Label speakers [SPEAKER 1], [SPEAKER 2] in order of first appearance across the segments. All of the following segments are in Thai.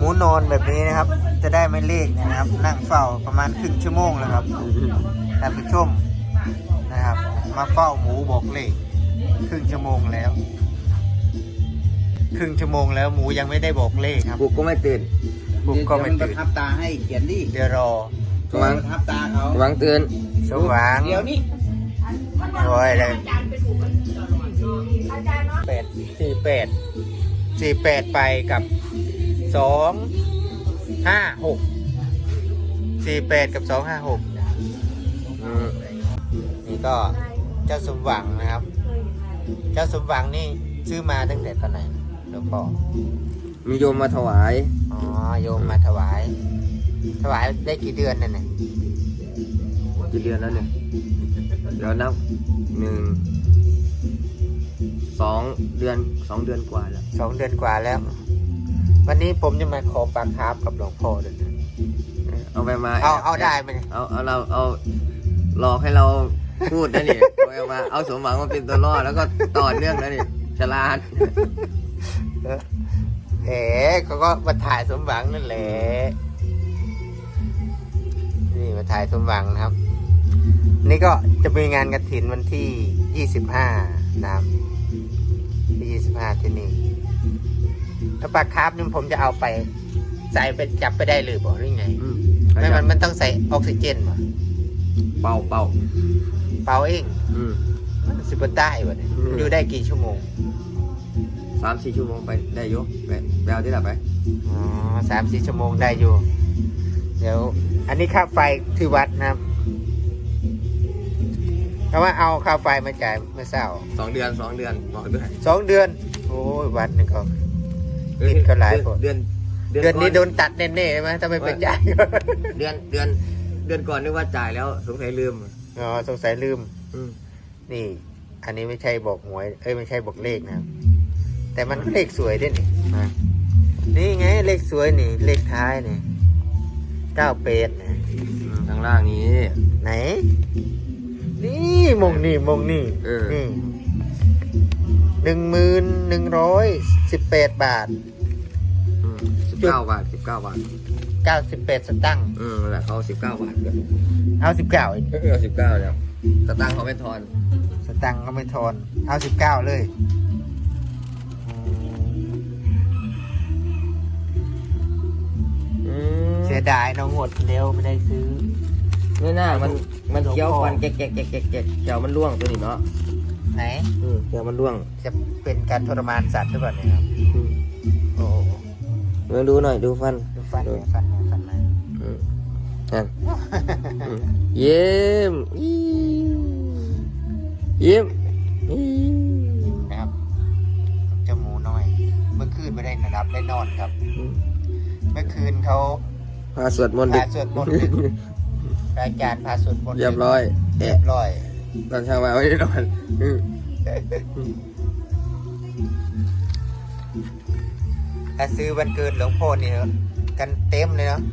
[SPEAKER 1] มูนอนแบบนี้นะครับ จะได้ไม่เลขนะครับ นั่งเฝ้าประมาณครึ่งชั่วโมงแล้วครับท่านผู้ชมนะครับ มาเฝ้าหมูบอกเลขครึ่งชั่วโมงแล้วครึ่งชั่วโมงแล้วหมูยังไม่ได้บอกเลขครับ
[SPEAKER 2] ปลุกก็ไม่ตื่น
[SPEAKER 1] ผมก็ไม่ตื่น
[SPEAKER 3] ทับตาให้เขียนดิ
[SPEAKER 1] เดี๋ยวรอ
[SPEAKER 2] สว่าง
[SPEAKER 3] ทับตาเขา
[SPEAKER 2] สว่างตื่น
[SPEAKER 1] สว่าง
[SPEAKER 3] เดี๋ยวนี้
[SPEAKER 1] โอ้ยเลย48ไปกับ256กับ256
[SPEAKER 2] อืม
[SPEAKER 1] นี่ก็เจ้าสมหวังนะครับ เจ้าสมหวังนี่ซื้อมาตั้งแต่ตอนไหนหลวงพ่อ
[SPEAKER 2] มีโยมมาถวาย
[SPEAKER 1] อ๋อโยมมาถวายได้กี่เดือนนั่นเนี่ย
[SPEAKER 2] กี่เดือนแล้วเนี่ยเดี๋ยวนับ2 เดือนกว่าแล้ว
[SPEAKER 1] 2 เดือนกว่าแล้ว วันนี้ผมจะมาขอปลาคาร์ฟกับหลวงพ่อด้วยนะ
[SPEAKER 2] เอาไปมา
[SPEAKER 1] เอาได้ไหมเนี่ย
[SPEAKER 2] เอาหลอกให้เราพูดนะนี่เอามาเอาสมหวังมาเป็นตัวล่อแล้วก็ต่อเนื่องนะนี่ฉลาด
[SPEAKER 1] เขาก็มาถ่ายสมหวังนั่นแหละนี่มาถ่ายสมหวังนะครับ นี่ก็จะมีงานกฐินวันที่25นะครับที่25ที่นี่ถ้าปลาคาร์ฟนี่ผมจะเอาไปใส่ไปจับไปได้หรือเปล่าหรือไงไม่มันต้องใส่ออกซิเจนป่ะ
[SPEAKER 2] เป่า
[SPEAKER 1] เป่าเองสิบใต้วะเนี่ยอยู่ได้กี่ชั่วโมง
[SPEAKER 2] 3-4 ชั่วโมงไปได้ยกไปเอาที่ไหนไป
[SPEAKER 1] อ๋อ3-4 ชั่วโมงได้อยู่ เดี๋ยว อันนี้ค่าไฟที่วัดนะครับเพราะว่าเอาค่าไฟมาจ่ายเมื่อเช้า
[SPEAKER 2] 2 เดือนบอกด้วย
[SPEAKER 1] 2 เดือน โอ้ยวัดนึงเขาติดเขาหลายคน
[SPEAKER 2] เดือน
[SPEAKER 1] นี้โดนตัดแน่ๆใช่ไหมถ้าไม่ไปจ่าย
[SPEAKER 2] เดือนก่อนนึกว่าจ่ายแล้วสงสัยลืม
[SPEAKER 1] อ๋อสงสัยลืมนี่ อันนี้ไม่ใช่บอกหวยไม่ใช่บอกเลขนะครับแต่มันเลขสวยด้วยนี่นี่ไงเลขสวยนี่ เลขท้ายนี่98นะ
[SPEAKER 2] ทางล่างนี้
[SPEAKER 1] ไหน นี่มงนี่นี่ 1118 บาท
[SPEAKER 2] 19 บาท
[SPEAKER 1] 98 สตังค์
[SPEAKER 2] นั่นแหละเขา19 บาทกัน
[SPEAKER 1] เอา19อีก
[SPEAKER 2] เอา19แล้วสตางค์เขาไม่ทอน
[SPEAKER 1] สตังค์ก็ไม่ทอนเอา19เลยเสียดายน้องหมดเร็วไม่ได้ซื้อ
[SPEAKER 2] ไม่น่ามันเคี้ยวฟันแกะเขียวมันร่วงตัวนี้เนาะ
[SPEAKER 1] ไหน
[SPEAKER 2] เขียวมันร่วง
[SPEAKER 1] จะเป็นการทรมานสัตว์หรือเปล่าเนี่ยครับโอ้
[SPEAKER 2] มาดูหน่อยดูฟัน
[SPEAKER 1] ดูฟันมา
[SPEAKER 2] นั่นเยี่ยม
[SPEAKER 1] นะครับเจ้าหมูน้อย เมื่อคืนไม่ได้นอนได้นอนครับ เมื่อคืนเขา
[SPEAKER 2] พาสวดมนต์ดึก
[SPEAKER 1] อาจารย์พาสวดมนต์
[SPEAKER 2] เรียบร้อย ตอนเช้ามาไม่ได้นอน
[SPEAKER 1] ถ้าซื้อวันเกิดหลวงพ่อนี่กันเต็มเลยเนาะ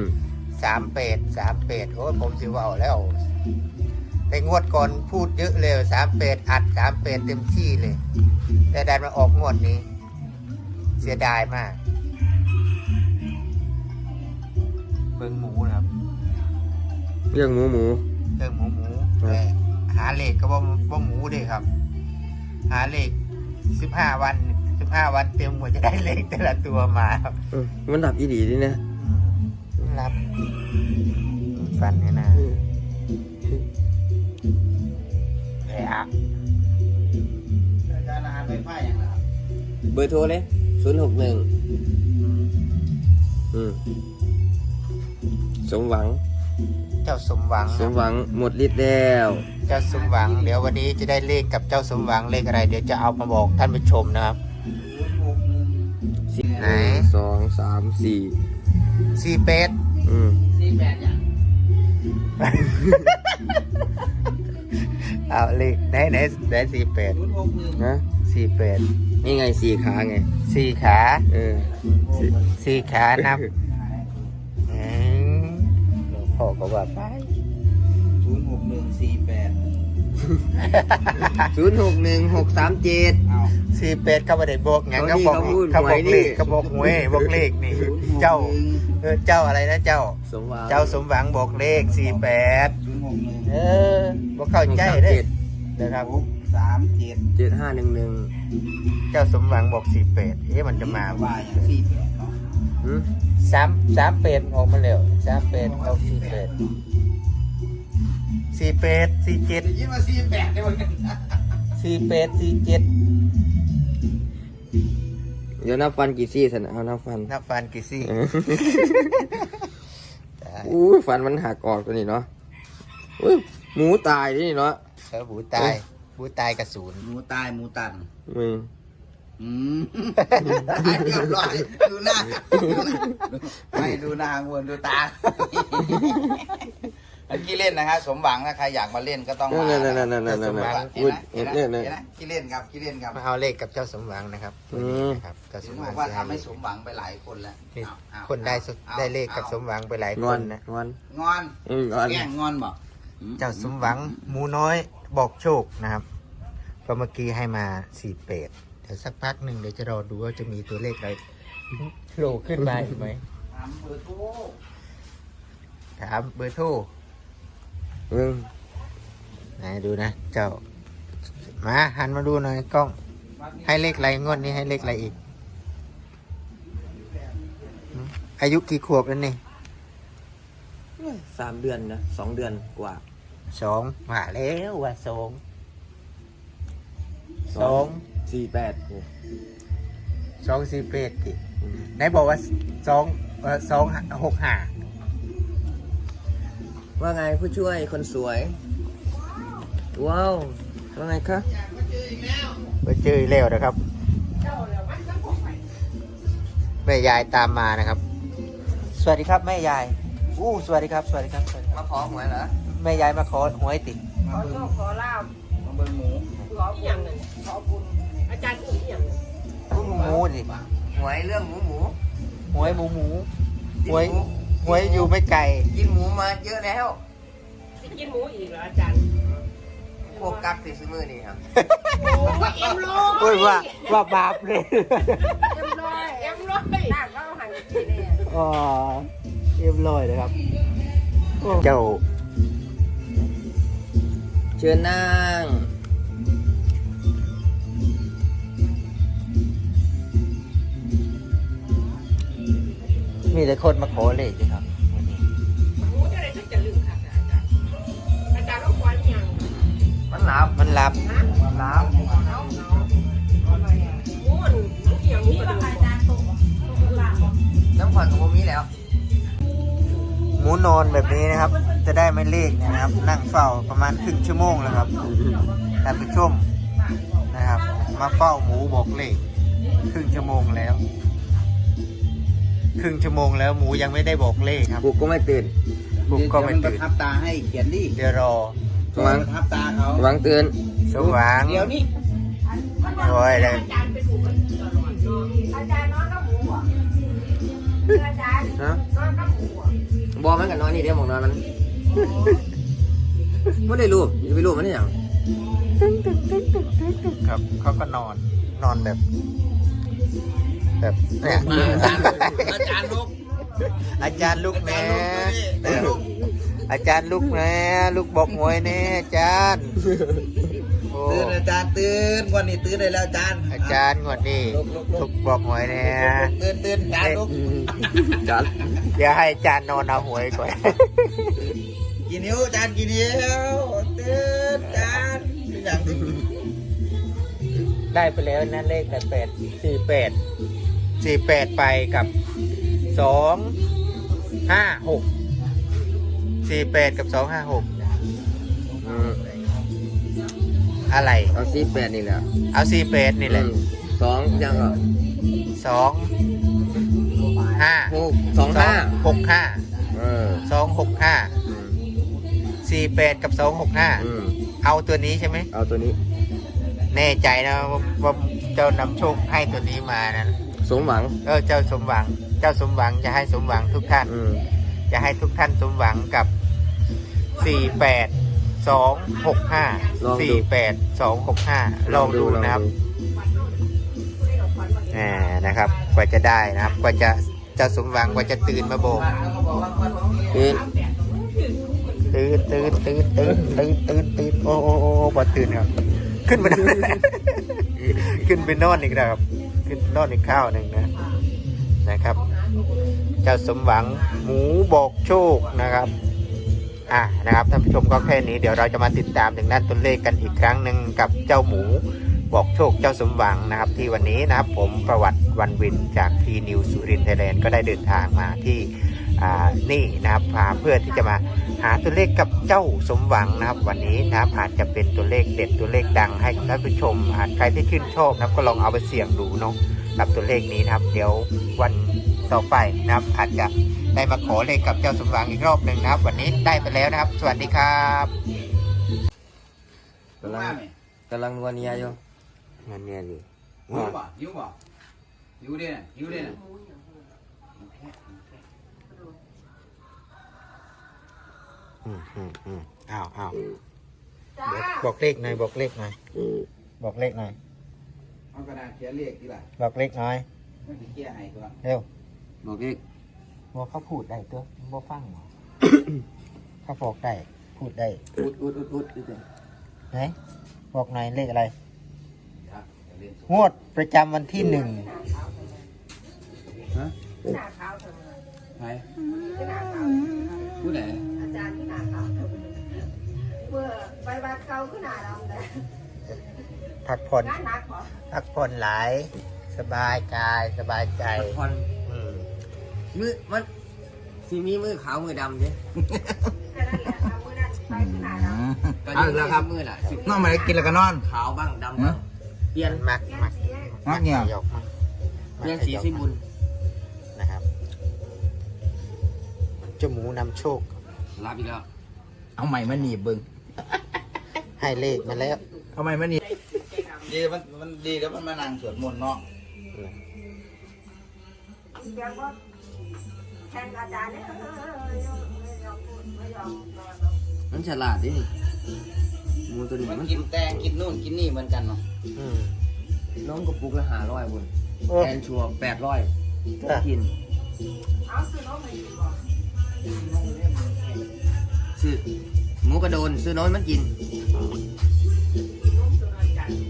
[SPEAKER 1] 38 โอ้ผมสิว่าแล้วแต่งวดก่อนพูดเยอะเลย38อัด38เต็มที่เลยแต่ดันมาออกงวดนี้ เสียดายมากเบิ่งหมูนะครับ
[SPEAKER 2] เรื่องหมู
[SPEAKER 1] เรื่องหมูแต่หาเลขก็ว่าหมูดิครับ หาเลข15 วันเต็มกว่าจะได้เลขแต่ละตัวมาครับ
[SPEAKER 2] มันดับอีดีดิเนี่ย
[SPEAKER 1] รับฟันนี่นะ
[SPEAKER 3] อาจารย์อาหารไฟฟ้าอย่างไรครับ
[SPEAKER 2] เบอร์โทรเลย061สมหวัง
[SPEAKER 1] เจ้าสมหวัง
[SPEAKER 2] หมดฤทธิ์แล้ว
[SPEAKER 1] เจ้าสมหวังเดี๋ยววันนี้จะได้เลขกับเจ้าสมหวังเลขอะไรเดี๋ยวจะเอามาบอกท่านผู้ชมนะครับไหน
[SPEAKER 2] 2 3 4
[SPEAKER 1] 48
[SPEAKER 3] 48อย่าง
[SPEAKER 1] เอาเลขไหน48
[SPEAKER 2] นะ
[SPEAKER 1] 48
[SPEAKER 2] นี่ไง4 ขาไง
[SPEAKER 1] 4 ขา 4 ขานับพ่อก็ว่าไป
[SPEAKER 3] 06148
[SPEAKER 2] 061637
[SPEAKER 3] เอา
[SPEAKER 1] 48เขาบ่ได้บอกหยัง
[SPEAKER 2] เขา
[SPEAKER 1] เขาบอก
[SPEAKER 2] พูด
[SPEAKER 1] เขาบอก
[SPEAKER 2] หวยนี่
[SPEAKER 1] เลขเขาบอกหวยบอกเลขนี่ เจ้าเจ้าอะไรนะเจ้า
[SPEAKER 2] สมหวัง
[SPEAKER 1] เจ้าสมหวังบอกเลข48
[SPEAKER 3] 061
[SPEAKER 1] บ่เข้าใจเด้นะครับ
[SPEAKER 3] 637
[SPEAKER 2] 7511
[SPEAKER 1] เจ้าสมหวังบอก48มันจะมา
[SPEAKER 3] ว่าอย่าง48เนาะ
[SPEAKER 2] หืม
[SPEAKER 1] 38ออกมาแล้ว38ออก48 48
[SPEAKER 3] ได้ยินว่า48ได้บ่กัน
[SPEAKER 1] 47 47
[SPEAKER 2] เดี๋ยวนับฟันกี่ซี่สันเอานับฟัน
[SPEAKER 1] นับฟันกี่ซี่
[SPEAKER 2] อู้ยฟันมันหักออกตัวนี้เนาะอุ้ยหมูตายนี่เนาะ
[SPEAKER 1] บูตายบูตายกระสุน
[SPEAKER 3] หมูตายหมูตัน
[SPEAKER 2] มึง
[SPEAKER 3] เรียบร้อยดูหน้าไม่ดูหน้างวนดูตาเมื่อกี้เล่นนะครับสมหวังนะใครอยากมาเล่นก็ต้องมา
[SPEAKER 2] นั่น
[SPEAKER 3] อุ้ยเนี่ยขี้เล่นครับขี้เล่นครับ
[SPEAKER 1] มาเอาเลขกับเจ้าสมหวังนะครับนะครับเจ้าส
[SPEAKER 3] ถึ
[SPEAKER 1] ม
[SPEAKER 3] ง
[SPEAKER 1] ห
[SPEAKER 3] บ
[SPEAKER 1] วั
[SPEAKER 3] อง กว่า
[SPEAKER 1] จะ
[SPEAKER 3] ทำให้สมหวังไปหลายคนแล้ว
[SPEAKER 1] นี่
[SPEAKER 3] เอา
[SPEAKER 1] คนได้เลขกับสมหวังไปหลาย
[SPEAKER 2] ง
[SPEAKER 1] ค
[SPEAKER 2] อน
[SPEAKER 1] นนะ
[SPEAKER 2] งอน
[SPEAKER 3] งอน
[SPEAKER 2] งอน
[SPEAKER 3] แกล้งงอนบอก
[SPEAKER 1] เจ้าสมหวังหมูน้อยบอกโชคนะครับก็เมื่อกี้ให้มา48เดี๋ยวสักพักหนึ่งเดี๋ยวจะรอดูว่าจะมีตัวเลขอะไรโผล่ขึ้นมาอีกไหม
[SPEAKER 3] ถามเบอร์โทร
[SPEAKER 1] ถามเบอร์โทร
[SPEAKER 2] มึง
[SPEAKER 1] ไหนดูนะ เจ้ามาหันมาดูหน่อยกล้อง ให้เลขอะไรงวดนี้ให้เลขอะไรอีกอายุกี่ขวบแล้วนี่
[SPEAKER 2] 3 เดือนนะ2 เดือนกว่า
[SPEAKER 1] 2มาแล้วว่า2
[SPEAKER 2] 48โอ้
[SPEAKER 1] 248ติไหนบอกว่า265
[SPEAKER 2] ว่าไงผู้ช่วยคนสวย ว้าวว่าไงคะ
[SPEAKER 1] ไปเจออีกแล้วนะครับแม่ยายตามมานะครับ สวัสดีครับแม่ยายสวัสดีครับสวัสดีครับสวัสดีครับ
[SPEAKER 2] มาขอหวยเหรอ
[SPEAKER 1] แม่ยายมาขอหวยติ
[SPEAKER 4] ขอโชคขอลาบ
[SPEAKER 3] มาเบอร์หมู
[SPEAKER 4] ขอเพียงหนึ่งขอบุญอาจารย์อื่นเพียงหนึ่ง
[SPEAKER 1] หมูสิ
[SPEAKER 2] หวยเรื่องหมู
[SPEAKER 1] หวยหมูหวยหวยอยู่ไม่ไกล
[SPEAKER 2] กินหมูมาเยอะแล้ว
[SPEAKER 4] จะกินหมูอีกเหรออาจารย์
[SPEAKER 2] พวกกักติดซื้อมือนี่ครับ
[SPEAKER 4] โอ้ยเอ็มร้อย
[SPEAKER 1] โอ้ยว่าบาปเลย
[SPEAKER 4] เอ็มร้อยเอ็มร้อยน่าก็หันกินเลย
[SPEAKER 1] อ๋อเรียบร้อยเลยครับเจ้า
[SPEAKER 2] เชิญนั่ง
[SPEAKER 1] มีแต่คนมาขอเลขสิครับ
[SPEAKER 4] หมูจะได้ช่วยจะลืมค่ะอาจารย์ต้องคอยยัง
[SPEAKER 2] มันหลับ
[SPEAKER 1] มันรับ
[SPEAKER 4] นะ
[SPEAKER 2] มันหลับ
[SPEAKER 4] หมูมันเพียงนี้ก็อาจารย์ตก
[SPEAKER 2] น้ำขวัญของผมมีแล้ว
[SPEAKER 1] หมูนอนแบบนี้นะครับ จะได้ไม่เลขนะครับ นั่งเฝ้าประมาณครึ่งชั่วโมงแล้วครับท่านผู้ชมนะครับ มาเฝ้าหมูบอกเลขครึ่งชั่วโมงแล้ว ครึ่งชั่วโมงแล้วหมูยังไม่ได้บอกเลขครับ
[SPEAKER 2] กูก็ไม่ตื่น
[SPEAKER 1] บุกก็ไม่
[SPEAKER 3] เดี๋ยว
[SPEAKER 1] ตื่น
[SPEAKER 3] ประทับตาให้เขียนดิ
[SPEAKER 1] เดี๋ยวรอ
[SPEAKER 2] สว่าง
[SPEAKER 3] ประทับตาเขา
[SPEAKER 2] หวังตื่น
[SPEAKER 1] สว่าง
[SPEAKER 3] เดี๋ยวนี้
[SPEAKER 1] โอ้ยเลย
[SPEAKER 4] อาจารย์ไปถูกกันตลอดเนาะอาจารย์นอนกับหมูอ่ะอาจารย์
[SPEAKER 2] ฮะ
[SPEAKER 4] นอนกับหมูอ่ะ
[SPEAKER 2] บอมันกับนอนนี่เดี๋ยวหมองนอนมันไม่ได้รูปจะไปรูปมันได้ยัง
[SPEAKER 1] ครับเขาก็นอนแบบเนี่ย
[SPEAKER 3] อาจารย์ลูก
[SPEAKER 1] อาจารย์ลูกแม่อาจารย์ลูกแม่ลูกบอกหวยแน่อาจารย์โอ้
[SPEAKER 3] ตื่นอาจารย์ตื่นวันนี้ตื่นได้แล้วอาจารย์
[SPEAKER 1] อาจารย์งวดนี้ลูกบอกหวยแน่
[SPEAKER 3] ตื่นอาจารย์ลูก
[SPEAKER 2] จัด
[SPEAKER 1] เดี๋ยวให้อาจารย์นอนเอาหวยก่อน
[SPEAKER 3] กี่นิ้วอาจารย์กี่นิ้วตื่นอาจารย์เป็นอย่างที่
[SPEAKER 1] ได้ไปแล้วนั่นเลข48ไปกับ256 48กับ256อะไร
[SPEAKER 2] เอา48นี่แหละ
[SPEAKER 1] เอา48นี่แหละ
[SPEAKER 2] 2ยังเหรอ
[SPEAKER 1] 2 5 65 265 48กับ265เอาตัวนี้ใช่ไหม
[SPEAKER 2] เอาตัวนี้
[SPEAKER 1] แน่ใจนะว่าเจ้านำโชคให้ตัวนี้มานะ
[SPEAKER 2] สมหวัง
[SPEAKER 1] เจ้าสมหวังจะให้สมหวังทุกท่านจะให้ทุกท่านสมหวังกับ48 ลองดูนะครับนะครับ กว่าจะได้นะครับ กว่าจะสมหวังกว่าจะตื่นมาโบก
[SPEAKER 2] ตื่น
[SPEAKER 1] โอ้บอตื่นครับ ขึ้นไปนอน ขึ้นไปนอนอีกแล้วครับขึ้นนอนอีกข้าวหนึ่งนะครับ เจ้าสมหวังหมูบอกโชคนะครับนะครับท่านผู้ชมก็แค่นี้เดี๋ยวเราจะมาติดตามถึงด้านตัวเลขกันอีกครั้งหนึ่งกับเจ้าหมูบอกโชคเจ้าสมหวังนะครับ ที่วันนี้นะครับผมประวัติวันวินจากทีนิวสุรินทร์ไทยแลนด์ก็ได้เดินทางมาที่นี่นะครับเพื่อที่จะมาหาตัวเลขกับเจ้าสมหวังนะครับวันนี้นะครับอาจจะเป็นตัวเลขเด็ดตัวเลขดังให้ท่านผู้ชมใครที่ชื่นชอบนะครับก็ลองเอาไปเสี่ยงดูเนาะกับตัวเลขนี้นะครับเดี๋ยววันต่อไปนะครับอาจจะได้มาขอเลขกับเจ้าสมหวังอีกรอบหนึ่งนะครับวันนี้ได้ไปแล้วนะครับ สวัสดีครับ
[SPEAKER 2] กำลังนัวเนียอยู่
[SPEAKER 1] งานเนี่ยดิ
[SPEAKER 3] อยู่ดิน่ะอยู่ดิน่ะ
[SPEAKER 1] อ้าว
[SPEAKER 4] จ้า
[SPEAKER 1] บอกเลขหน่อยบอกเลขหน่อยบอกเลขหน่อย
[SPEAKER 3] เอากระดาษเขียนเลขดีล่ะ
[SPEAKER 1] บอกเลขหน่อย
[SPEAKER 3] มันสิเขียนให้ตัว
[SPEAKER 1] เร็ว
[SPEAKER 2] บอกอีก
[SPEAKER 1] บอกเขาพูดได้ตัวบอกฟังเหรอ เขาบอกได้พูดได้
[SPEAKER 2] อุด
[SPEAKER 1] ไหนบอกหน่อยเลขอะไร
[SPEAKER 3] ครับอย่าเล่น
[SPEAKER 1] งวดประจำวันที่ 1
[SPEAKER 2] ฮะ
[SPEAKER 4] หน้าขาวเถอะ
[SPEAKER 2] ใคร
[SPEAKER 4] หน้าขาว
[SPEAKER 2] ผู้ไหน
[SPEAKER 4] อาจารย์ที่หน้าขาวเมื่อใบบัตรเขาขึ้นหน้าดำเลย
[SPEAKER 1] พักผ่อน
[SPEAKER 4] งานหนักเหรอ
[SPEAKER 1] พักผ่อนหลายสบายกายสบายใจ
[SPEAKER 2] ผ่อน
[SPEAKER 1] อืม
[SPEAKER 2] มือมันสีมีมือขาวมือดำใช่
[SPEAKER 4] แค่นั้นแหละเอามือนั่นไปขึ้นหน้าดำ
[SPEAKER 3] เอาอีกแล้วครับ
[SPEAKER 2] มือล่ะ
[SPEAKER 3] น้องมาได้กินแล้วก็นอน
[SPEAKER 2] ขาวบ้างดำบ้างเปลี่ยน
[SPEAKER 1] มัก
[SPEAKER 4] เปลี่ยน
[SPEAKER 1] มัก
[SPEAKER 4] สีให้
[SPEAKER 3] มักเนี่ย
[SPEAKER 1] ขยกมัก
[SPEAKER 2] เปลี่ยนสีสิบุญ
[SPEAKER 1] นะครับเจ้าหมูนำโชค
[SPEAKER 2] รับอีกแล้ว
[SPEAKER 3] เอาใหม่มาหนีบเบิ่ง
[SPEAKER 1] ให้เลขมาแล้ว
[SPEAKER 3] เอาใหม่มาหนีบดีมันดีแล้วมันมานั่งสวดมนต์เนาะ
[SPEAKER 4] เดี๋ยวก็แทนอาจารย์เนี่ยไม่ยอมพูดไม่ยอมนอนหรอก
[SPEAKER 2] มันฉลาดดิหมูตัวนี้
[SPEAKER 3] มัน
[SPEAKER 2] มัน
[SPEAKER 3] กินแตงกินนู่นกินนี่เหมือนกันเนาะ
[SPEAKER 1] อืม
[SPEAKER 2] น้องกระปุกละ500บุญ
[SPEAKER 1] โอ้
[SPEAKER 2] แทนชัว800กิน
[SPEAKER 4] เอาซื้อนมให้กินก่อน
[SPEAKER 2] ซื้อหมูกระโดนซื้อน้อยมันกิน
[SPEAKER 4] นมตัวน้อยจัน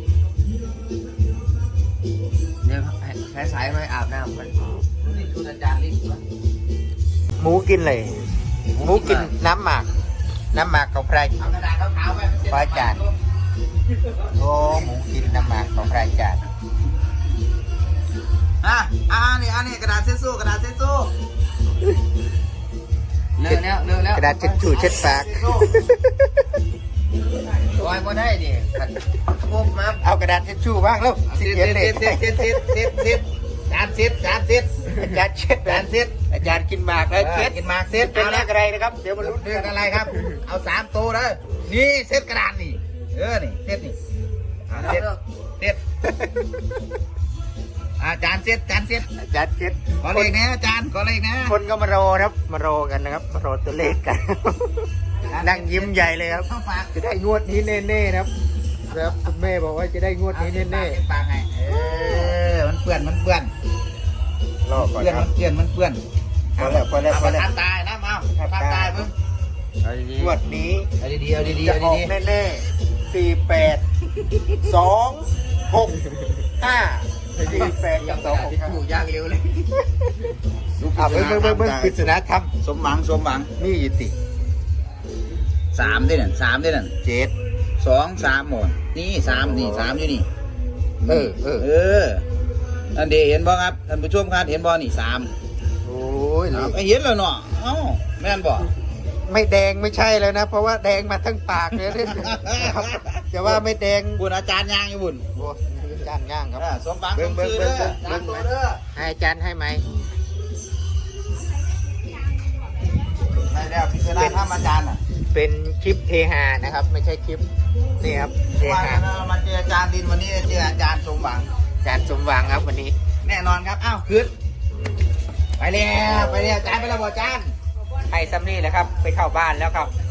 [SPEAKER 2] เดี๋ยวแพ้สายมาอาบน้ำกัน
[SPEAKER 3] นี่คืออาจารย์ลิศวะ
[SPEAKER 1] หมูกินเลยหมูกินน้ำหมากของพระ
[SPEAKER 3] เอากระดาษขาวๆไปมันจะ
[SPEAKER 1] พระอาจารย์โอ้หมูกินน้ำหมากของพระอาจารย์
[SPEAKER 3] นี่กระดาษเช็ดสู้กระดาษเช็ดสู้
[SPEAKER 2] เลิกแล้ว
[SPEAKER 1] กระดาษเช็ดชูเช็ดปาก
[SPEAKER 2] ลอยมาได้ดิขันพบมา
[SPEAKER 1] เอากระดาษเช็ดชูบ้างแล้ว
[SPEAKER 3] เช็ด
[SPEAKER 1] เขียนเลข
[SPEAKER 3] จานเช็ด
[SPEAKER 1] อาจารย์เช็ดอาจารย์กินหมากแล้วเช็ด
[SPEAKER 3] กินหมากเช็ด
[SPEAKER 1] เป็น
[SPEAKER 3] เอา
[SPEAKER 1] เล
[SPEAKER 3] ละ
[SPEAKER 1] ขอะไรนะครับ เดี๋ยวมาลุ้น
[SPEAKER 3] เรื่องอะไรครับ เอา3ตัวเลยนี่เช็ดกระดาษนี่นี่เช็ดนี่เช็ดจานเช็ด
[SPEAKER 1] อาจารย์เช็ด
[SPEAKER 3] ขอเลขนะอาจารย์ขอเลขนะ
[SPEAKER 1] คนก็มารอครับมารอกันนะครับมารอตัวเลขกัน นั่งยิ้มใหญ่เลยครับ
[SPEAKER 3] ต้องฝาก
[SPEAKER 1] จะได้งวดนี้แน่ๆนะครับคุณแม่บอกว่าจะได้งวดนี้แน่
[SPEAKER 3] ปากไงมันเปื้อน
[SPEAKER 1] ๆรอก่อนครับ
[SPEAKER 3] มันเปื้อน
[SPEAKER 1] พอแล้ว
[SPEAKER 3] เอาทำตายนะมาทำตายมึง
[SPEAKER 2] เอาดี
[SPEAKER 1] งวดนี้
[SPEAKER 3] เอาดีๆเอาดีๆ
[SPEAKER 1] จะ
[SPEAKER 3] เอา
[SPEAKER 1] ออก
[SPEAKER 3] ดี
[SPEAKER 1] แน่ๆ4826548265
[SPEAKER 2] ถูกย่างเร็วเลย
[SPEAKER 1] เบิ่งปริศนาธรรม
[SPEAKER 3] สมหวัง
[SPEAKER 1] นี่ยิติ
[SPEAKER 3] 3ได้นั่น3ได้นั่น
[SPEAKER 1] 7
[SPEAKER 3] 2 3หมดนี่3นี่3อยู่นี่ อันเดีเห็นบ่ครับท่านผู้ชมครับเห็นบ่นี่3
[SPEAKER 1] โอ้ย
[SPEAKER 3] เห็นแล้วเนาะเอ้าแม่นบ่
[SPEAKER 1] ไม่แดงไม่ใช่แล้วนะ เพราะว่าแดงมาทั้งปากเลยนะครับจะว่าไม่แดง
[SPEAKER 3] บุญอาจารย์ย่างอยู่บุญ
[SPEAKER 1] โอ้อาจารย์ย่างครับ
[SPEAKER 3] สมหวังสมชื่อเด้อตามตัวเด้อ
[SPEAKER 1] ให้อาจารย์ให้ไหม
[SPEAKER 3] ได้แล้วพิจารณาธรรมอาจารย์น่ะ
[SPEAKER 1] เป็นคลิปเฮฮานะครับ ไม่ใช่คลิปนี่ครับเฮ
[SPEAKER 3] ว่า
[SPEAKER 1] ฮา
[SPEAKER 3] เรามาเจออาจารย์ดินวันนี้เจออาจารย์สมหวัง
[SPEAKER 1] อาจารย์สมหวังครับวันนี้
[SPEAKER 3] แน่นอนครับอ้าวขึ้นไปแล้วอาจารย์ไปแล้วบ่อาจารย์
[SPEAKER 1] ให้ซัมนี่แหละครับ ไปเข้าบ้านแล้วครับ